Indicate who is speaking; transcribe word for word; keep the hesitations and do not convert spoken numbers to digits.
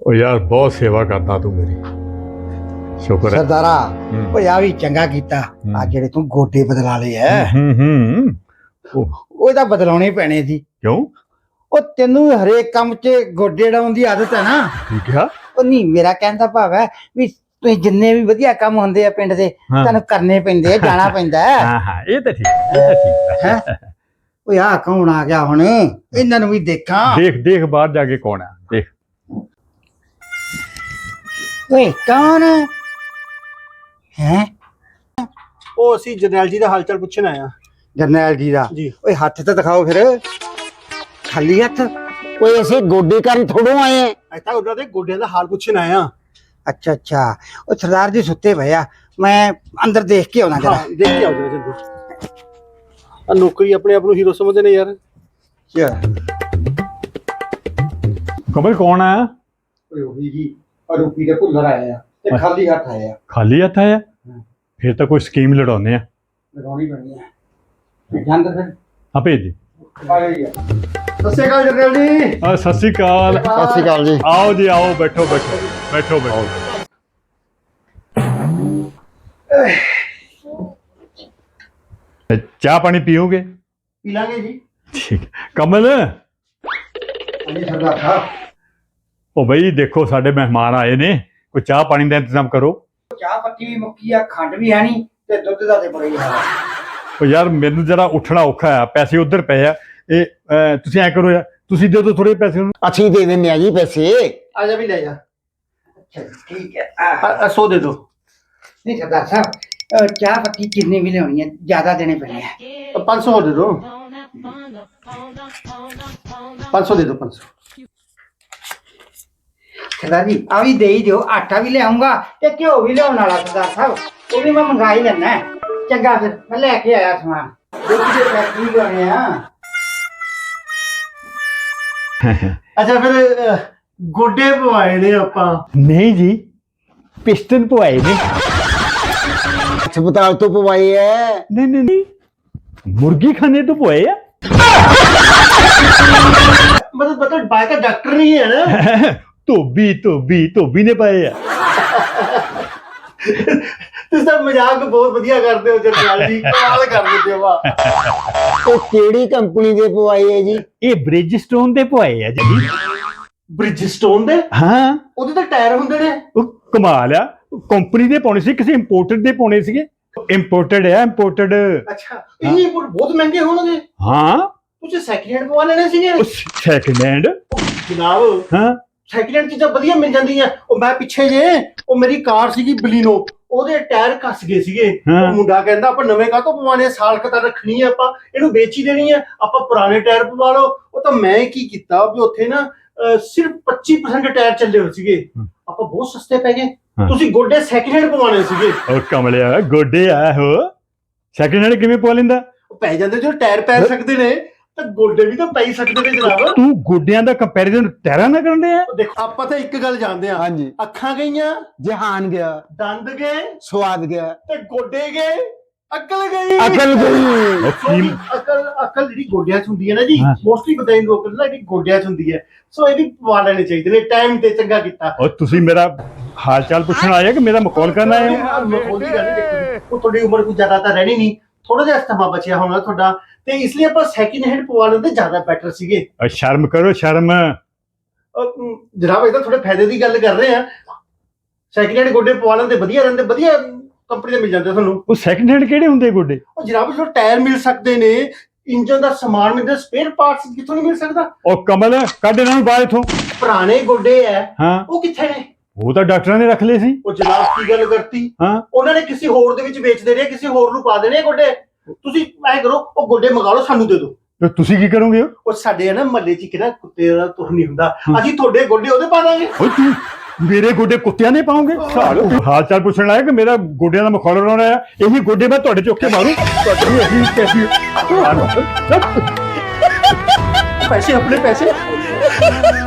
Speaker 1: ਉਹ ਯਾਰ ਬਹੁਤ ਸੇਵਾ ਕਰਦਾ ਤੂੰ ਮੇਰੀ, ਸ਼ੁਕਰ ਹੈ
Speaker 2: ਸਰਦਾਰਾ। ਓਏ ਆ ਵੀ ਚੰਗਾ ਕੀਤਾ, ਆ ਜਿਹੜੇ ਤੂੰ ਗੋਡੇ ਬਦਲਾ ਲਏ ਐ
Speaker 1: ਹੂੰ ਹੂੰ
Speaker 2: ਉਹ ਤਾਂ ਬਦਲਾਉਣੇ ਪੈਣੇ ਸੀ।
Speaker 1: ਕਿਉਂ?
Speaker 2: ਉਹ ਤੈਨੂੰ ਹਰੇਕ ਕੰਮ 'ਚ ਗੋਡੇ ਡਾਉਣ ਦੀ ਆਦਤ ਹੈ ਨਾ।
Speaker 1: ਠੀਕ ਆ।
Speaker 2: ਉਹ ਨਹੀਂ, ਮੇਰਾ ਕਹਿਣ ਦਾ ਭਾਵ ਹੈ ਵੀ ਤੁਸੀਂ ਜਿੰਨੇ ਵੀ ਵਧੀਆ ਕੰਮ ਹੁੰਦੇ ਆ ਪਿੰਡ ਦੇ ਤੁਹਾਨੂੰ ਕਰਨੇ ਪੈਂਦੇ ਆ, ਜਾਣਾ ਪੈਂਦਾ ਹੈ।
Speaker 1: ਹਾਂ ਹਾਂ ਇਹ ਤਾਂ ਠੀਕ, ਇਹ ਤਾਂ ਠੀਕ ਹੈ।
Speaker 2: ਓਏ ਆ ਕੌਣ ਆ ਗਿਆ ਹੁਣ? ਇਹਨਾਂ ਨੂੰ ਵੀ ਦੇਖਾਂ।
Speaker 1: ਦੇਖ ਦੇਖ ਬਾਹਰ ਜਾ ਕੇ ਕੌਣ ਆ, ਦੇਖ।
Speaker 2: ਓਏ ਕੌਣ ਹੈ?
Speaker 3: ਉਹ ਅਸੀਂ ਜਰਨੈਲ ਜੀ ਦਾ ਹਾਲ ਚਾਲ ਪੁੱਛਣ ਆਇਆ
Speaker 2: ਜਰਨੈਲ ਜੀ ਦਾ?
Speaker 3: ਜੀ।
Speaker 2: ਓਏ ਹੱਥ ਤਾਂ ਦਿਖਾਓ ਫਿਰ, ਖਾਲੀ ਹੱਥ। ਓਏ ਅਸੀਂ ਗੋਡੇ ਕਰਨ ਥੋੜੋਂ ਆਏ ਆ।
Speaker 3: ਅੱਜ ਤਾਂ ਉਹਨਾਂ ਦੇ ਗੋਡਿਆਂ ਦਾ ਹਾਲ ਪੁੱਛਣ ਆਇਆ।
Speaker 2: ਅੱਛਾ ਅੱਛਾ, ਉਹ ਸਰਦਾਰ ਜੀ ਸੁੱਤੇ ਪਏ ਆ, ਮੈਂ ਅੰਦਰ ਦੇਖ ਕੇ ਆਉਣਾ ਜਰਾ।
Speaker 3: ਹਾਂ ਦੇਖ ਕੇ ਆਓ ਜਰਾ ਜਲਦੀ। ਆ ਨੌਕਰੀ ਆਪਣੇ ਆਪ ਨੂੰ ਹੀਰੋ ਸਮਝਦੇ ਨੇ ਯਾਰ।
Speaker 2: ਚਲ
Speaker 1: ਕਮਲ ਕੌਣ ਆ?
Speaker 2: ਓਏ ਉਹੀ ਜੀ ਰੂਪੀ ਦੇ ਭੁੱਲਰ ਆਏ ਆ ਤੇ ਖਾਲੀ ਹੱਥ ਆਏ ਆ।
Speaker 1: ਖਾਲੀ ਹੱਥ ਆਇਆ? ਫਿਰ ਤਾਂ ਕੋਈ ਸਕੀਮ ਲੜਾਉਂਦੇ ਆ।
Speaker 2: ਲਗਾਉਣੀ ਪੈਣੀ ਹੈ। ਜਾਂਦੇ ਫਿਰ
Speaker 1: ਆ ਭੇਜ ਦੇ।
Speaker 2: ਆ ਗਈ ਆ। ਸਤਿ ਸ਼੍ਰੀ ਅਕਾਲ ਜਰਨੈਲ ਜੀ।
Speaker 1: ਆ ਸਤਿ ਸ਼੍ਰੀ ਅਕਾਲ।
Speaker 2: ਸਤਿ ਸ਼੍ਰੀ ਅਕਾਲ ਜੀ।
Speaker 1: ਆਓ ਜੀ ਆਓ, ਬੈਠੋ ਬੈਠੋ ਬੈਠੋ ਬੈਠੋ। ਚਾਹ ਪਾਣੀ ਪੀਓਗੇ?
Speaker 2: ਪੀ ਲਾਂਗੇ ਜੀ।
Speaker 1: ਠੀਕ। ਕਮਲ
Speaker 2: ਹਾਂਜੀ ਸਰਦਾਰ ਸਾਹਿਬ।
Speaker 1: ਉਹ ਬਈ ਦੇਖੋ ਸਾਡੇ ਮਹਿਮਾਨ ਆਏ ਨੇ, ਕੋਈ ਚਾਹ ਪਾਣੀ ਦਾ ਇੰਤਜ਼ਾਮ ਕਰੋ।
Speaker 2: ਚਾਹ ਪੱਤੀ ਵੀ ਮੁੱਕੀ ਆ, ਖੰਡ ਵੀ ਹੈ ਨਹੀਂ ਤੇ ਦੁੱਧ ਦਾ ਤੇ ਬੜਾ ਹੀ ਹਾਲ ਆ।
Speaker 1: ਉਹ ਯਾਰ ਮੈਨੂੰ ਜਰਾ ਉੱਠਣਾ ਔਖਾ ਆ, ਪੈਸੇ ਉਧਰ ਪਏ ਆ। ਇਹ ਅਹ, ਤੁਸੀਂ ਐ ਕਰੋ ਯਾਰ, ਤੁਸੀਂ ਦੇ ਦਿਓ ਥੋੜੇ ਪੈਸੇ ਉਹਨੂੰ।
Speaker 2: ਅਸੀਂ ਦੇ ਦਿੰਦੇ ਆ ਜੀ ਪੈਸੇ।
Speaker 3: ਆ ਜਾ ਵੀ ਲੈ ਜਾ।
Speaker 2: ਅੱਛਾ ਠੀਕ ਹੈ।
Speaker 3: ਆ ਸੌ ਦੇ ਦੋ।
Speaker 2: ਨਹੀਂ ਸਰਦਾਰ ਸਾਹਿਬ, ਅਹ ਚਾਹ ਪੱਤੀ ਕਿੰਨੀ ਵੀ ਲਿਆਉਣੀ ਹੈ, ਜ਼ਿਆਦਾ ਦੇਣੇ ਪੈਣੇ ਆ।
Speaker 3: ਪੰਜ ਸੌ ਦੇ ਦੋ। ਪੰਜ ਸੌ ਦੇ ਦੋ। ਪੰਜ ਸੌ।
Speaker 2: ਸਰਦਾਰ ਜੀ ਆ ਵੀ ਦੇ ਹੀ ਦਿਓ, ਆਟਾ ਵੀ ਲਿਆਉਂਗਾ ਤੇ ਘਿਓ ਵੀ ਲਿਆਉਣ ਵਾਲਾ ਸਰਦਾਰ ਸਾਹਿਬ, ਉਹ ਵੀ ਮੈਂ ਮੰਗਾ ਹੀ ਲੈਣਾ। ਚੰਗਾ ਫਿਰ ਮੈਂ ਲੈ ਕੇ ਆਇਆ ਸਮਾਨ। ਦੁੱਧ ਦੇ ਫੈਕਟਰੀ ਗਏ ਆ।
Speaker 3: ਅੱਛਾ ਫਿਰ ਅਹ, ਗੋਡੇ ਪਵਾਏ ਨੇ ਆਪਾਂ।
Speaker 1: ਨਹੀਂ ਜੀ, ਪਿਸਟਨ ਪਵਾਏ ਨੇ।
Speaker 2: ਹਸਪਤਾਲ ਤੋਂ ਪਵਾਏ ਐ।
Speaker 1: ਨਹੀਂ ਨਹੀਂ ਨਹੀਂ, ਮੁਰਗੀ ਖਾਨੇ ਤੋਂ ਪਵਾਏ ਆ।
Speaker 3: ਮਤਲਬ ਮਤਲਬ ਬਾਈ ਦਾ ਡਾਕਟਰ ਨਹੀਂ ਹੈ ਨਾ।
Speaker 1: ਧੋਬੀ ਧੋਬੀ ਧੋਬੀ ਨੇ ਪਾਏ ਆ।
Speaker 3: ਤੁਸੀਂ ਤਾਂ ਮਜ਼ਾਕ ਬਹੁਤ ਵਧੀਆ ਕਰਦੇ ਹੋ ਜਰਨੈਲ ਜੀ, ਕਮਾਲ ਕਰ ਦਿੰਦੇ ਹੋ ਵਾਹ।
Speaker 2: ਉਹ ਕਿਹੜੀ ਕੰਪਨੀ ਦੇ ਪਵਾਏ ਐ ਜੀ?
Speaker 1: ਇਹ ਬ੍ਰਿਜਸਟੋਨ ਦੇ ਪਵਾਏ ਆ ਜੀ।
Speaker 3: ਬ੍ਰਿਜਸਟੋਨ ਦੇ?
Speaker 1: ਹਾਂ,
Speaker 3: ਉਹਦੇ ਤਾਂ ਟਾਇਰ ਹੁੰਦੇ ਨੇ।
Speaker 1: ਉਹ ਕਮਾਲ ਆ, ਕੰਪਨੀ ਦੇ ਪਾਉਣੇ ਸੀ, ਕਿਸੇ ਇੰਪੋਰਟਡ ਦੇ ਪਾਉਣੇ ਸੀਗੇ। ਇੰਪੋਰਟਡ ਹੈ, ਇੰਪੋਰਟਡ।
Speaker 3: ਅੱਛਾ, ਇਹ ਬਹੁਤ ਮਹਿੰਗੇ ਹੋਣਗੇ।
Speaker 1: ਹਾਂ,
Speaker 3: ਤੁਸੀਂ ਸੈਕਿੰਡ ਹੈਂਡ ਪਵਾ ਲੈਣੇ ਸੀਗੇ।
Speaker 1: ਸੈਕਿੰਡ ਹੈਂਡ
Speaker 3: ਜਨਾਬ
Speaker 1: ਹਾਂ,
Speaker 3: ਸੈਕਿੰਡ ਹੈਂਡ ਚੀਜ਼ਾਂ ਵਧੀਆ ਮਿਲ ਜਾਂਦੀਆਂ। ਉਹ ਮੈਂ ਪਿੱਛੇ ਜੇ ਉਹ ਮੇਰੀ ਕਾਰ ਸੀਗੀ ਬਲੀਨੋ, ਉਹਦੇ ਟਾਇਰ ਘਸ ਗਏ ਸੀਗੇ। ਉਹ ਮੁੰਡਾ ਕਹਿੰਦਾ ਆਪਾਂ ਨਵੇਂ ਕਾਹ ਤੋਂ ਪਵਾਣੇ, ਸਾਲ ਕੁ ਤਾਂ ਰੱਖਣੀ ਹੈ, ਆਪਾਂ ਇਹਨੂੰ ਵੇਚ ਹੀ ਦੇਣੀ ਹੈ, ਆਪਾਂ ਪੁਰਾਣੇ ਟਾਇਰ ਪਵਾ ਲਓ। ਉਹ ਤਾਂ ਮੈਂ ਕੀ ਕੀਤਾ ਵੀ ਉੱਥੇ ਨਾ ਸਿਰਫ ਪੱਚੀ ਪਰਸੈਂਟ ਟਾਇਰ ਚੱਲੇ ਹੋਏ ਸੀਗੇ, ਆਪਾਂ ਬਹੁਤ ਸਸਤੇ ਪੈ ਗਏ। ਤੁਸੀਂ ਗੋਡੇ ਸੈਕਿੰਡ ਹੈਂਡ ਪਵਾਣੇ ਸੀਗੇ।
Speaker 1: ਉਹ ਕਮਲਿਆ, ਗੋਡੇ ਆ ਹੋ ਸੈਕਿੰਡ ਹੈਂਡ ਕਿਵੇਂ ਪਵਾ ਲੈਂਦਾ?
Speaker 3: ਉਹ ਪੈ ਜਾਂਦੇ, ਜੋ ਟਾਇਰ ਪੈ ਸਕਦੇ ਨੇ ਤਾਂ ਗੋਡੇ ਵੀ ਤਾਂ ਪੈ ਹੀ ਸਕਦੇ ਨੇ ਜਨਾਬ।
Speaker 1: ਤੂੰ ਗੋਡਿਆਂ ਦਾ ਕੰਪੈਰੀਜ਼ਨ ਟਾਇਰਾਂ ਨਾਲ ਕਰਨ ਡਿਆ?
Speaker 3: ਦੇਖੋ ਆਪਾਂ ਤਾਂ ਇੱਕ ਗੱਲ ਜਾਣਦੇ ਹਾਂ,
Speaker 2: ਹਾਂਜੀ।
Speaker 3: ਅੱਖਾਂ ਗਈਆਂ,
Speaker 2: ਜਹਾਨ ਗਿਆ,
Speaker 3: ਦੰਦ ਗਏ
Speaker 2: ਸਵਾਦ ਗਿਆ,
Speaker 3: ਤੇ ਗੋਡੇ ਗਏ, ਅਕਲ ਗਈ।
Speaker 2: ਅਕਲ ਗਈ।
Speaker 1: ਉਹ ਕੀ
Speaker 3: ਅਕਲ ਅਕਲ ਜਿਹੜੀ ਗੋਡਿਆਂ 'ਚ ਹੁੰਦੀ ਹੈ ਨਾ ਜੀ,
Speaker 1: ਹਾਂ।
Speaker 3: ਮੋਸਟਲੀ ਬਤਾਈ ਲੋਕ ਨਾ ਜਿਹੜੀ ਗੋਡਿਆਂ 'ਚ ਹੁੰਦੀ ਹੈ, ਸੋ ਇਹ ਵੀ ਪਵਾ ਲੈਣੇ ਚਾਹੀਦੇ ਨੇ ਟਾਈਮ ਤੇ। ਚੰਗਾ ਕੀਤਾ।
Speaker 1: ਉਹ ਤੁਸੀਂ ਮੇਰਾ ਹਾਲ ਚਾਲ ਪੁੱਛਣ ਆਏ ਕਿ ਮੇਰਾ ਮਖੌਲ ਕਰਨ ਆਏ ਹੋ?
Speaker 3: ਉਹਦੀ ਗੱਲ ਨਹੀਂ ਦੇਖੋ, ਉਹ ਤੁਹਾਡੀ ਉਮਰ ਕੋਈ ਜ਼ਿਆਦਾ ਤਾਂ ਰਹਿਣੀ ਨਹੀਂ, ਥੋੜਾ ਜਿਹਾ ਸਮਾਂ ਬਚਿਆ ਹੋਣਾ ਤੁਹਾਡਾ, ਤੇ ਇਸ ਲਈ ਆਪਾਂ ਸੈਕਿੰਡ ਹੈਂਡ ਪਵਾ ਲੈਂਦੇ ਜ਼ਿਆਦਾ ਬੈਟਰ ਸੀਗੇ।
Speaker 1: ਉਹ ਸ਼ਰਮ ਕਰੋ, ਸ਼ਰਮ।
Speaker 3: ਅਹ ਜਨਾਬ ਇਹਦਾ ਥੋੜੇ ਫਾਇਦੇ ਦੀ ਗੱਲ ਕਰ ਰਹੇ ਆ। ਸੈਕਿੰਡ ਹੈਂਡ ਗੋਡੇ ਪਵਾ ਲੈਂਦੇ ਵਧੀਆ ਰਹਿੰਦੇ, ਵਧੀਆ ਕੰਪਨੀ ਦੇ ਮਿਲ ਜਾਂਦੇ ਤੁਹਾਨੂੰ।
Speaker 1: ਉਹ ਸੈਕਿੰਡ ਹੈਂਡ ਕਿਹੜੇ ਹੁੰਦੇ ਗੋਡੇ?
Speaker 3: ਉਹ ਜਨਾਬ ਜੋ ਟਾਇਰ ਮਿਲ ਸਕਦੇ ਨੇ, ਇੰਜਨ ਦਾ ਸਮਾਨ ਮਿਲਦਾ, ਸਪੇਅਰ ਪਾਰਟਸ ਕਿੱਥੋਂ ਨਹੀਂ ਮਿਲ ਸਕਦਾ?
Speaker 1: ਉਹ ਕਮਲ ਕੱਢ ਇਹਨਾਂ ਨੂੰ ਬਾਹਰ ਇਥੋਂ।
Speaker 3: ਪੁਰਾਣੇ ਗੋਡੇ ਐ,
Speaker 1: ਹਾਂ,
Speaker 3: ਉਹ ਕਿੱਥੇ ਨੇ?
Speaker 1: ਉਹ ਤਾਂ ਡਾਕਟਰਾਂ ਨੇ ਰੱਖ ਲਏ ਸੀ।
Speaker 3: ਉਹ ਜਨਾਬ ਕੀ ਗੱਲ ਕਰਤੀ?
Speaker 1: ਹਾਂ,
Speaker 3: ਉਹਨਾਂ ਨੇ ਕਿਸੇ ਹੋਰ ਦੇ ਵਿੱਚ ਵੇਚ ਦੇਣੇ, ਕਿਸੇ ਹੋਰ ਨੂੰ ਪਾ ਦੇਣੇ ਗੋਡੇ। ਤੁਸੀਂ ਐ ਕਰੋ, ਉਹ ਗੋਡੇ ਮੰਗਾ ਲਓ, ਸਾਨੂੰ ਦੇ ਦਿਓ।
Speaker 1: ਤੇ ਤੁਸੀਂ ਕੀ ਕਰੋਗੇ?
Speaker 3: ਉਹ ਸਾਡੇ ਨਾ ਮਹੱਲੇ 'ਚ ਕਿਹੜਾ ਕੁੱਤੇ ਦਾ ਤੁਰ ਨਹੀਂ ਹੁੰਦਾ, ਅਸੀਂ ਤੁਹਾਡੇ ਗੋਡੇ ਉਹਦੇ ਪਾ ਦਾਂਗੇ।
Speaker 1: ਓਏ ਤੂੰ ਮੇਰੇ ਗੋਡੇ ਕੁੱਤਿਆਂ ਨੇ ਪਾਉਂਗੇ? ਹਾਲ ਚਾਲ ਪੁੱਛਣ ਆਇਆ ਕਿ ਮੇਰਾ ਗੋਡਿਆਂ ਦਾ ਮਖੌਲ ਉਡਾਉਣਾ ਆ। ਇਹੀ ਗੋਡੇ ਮੈਂ ਤੁਹਾਡੇ ਚੁੱਕ ਕੇ ਮਾਰੂ। ਤੁਹਾਡੀ ਇਹੀ ਕੈਸੀ
Speaker 3: ਪੈਸੇ ਆਪਣੇ ਪੈਸੇ।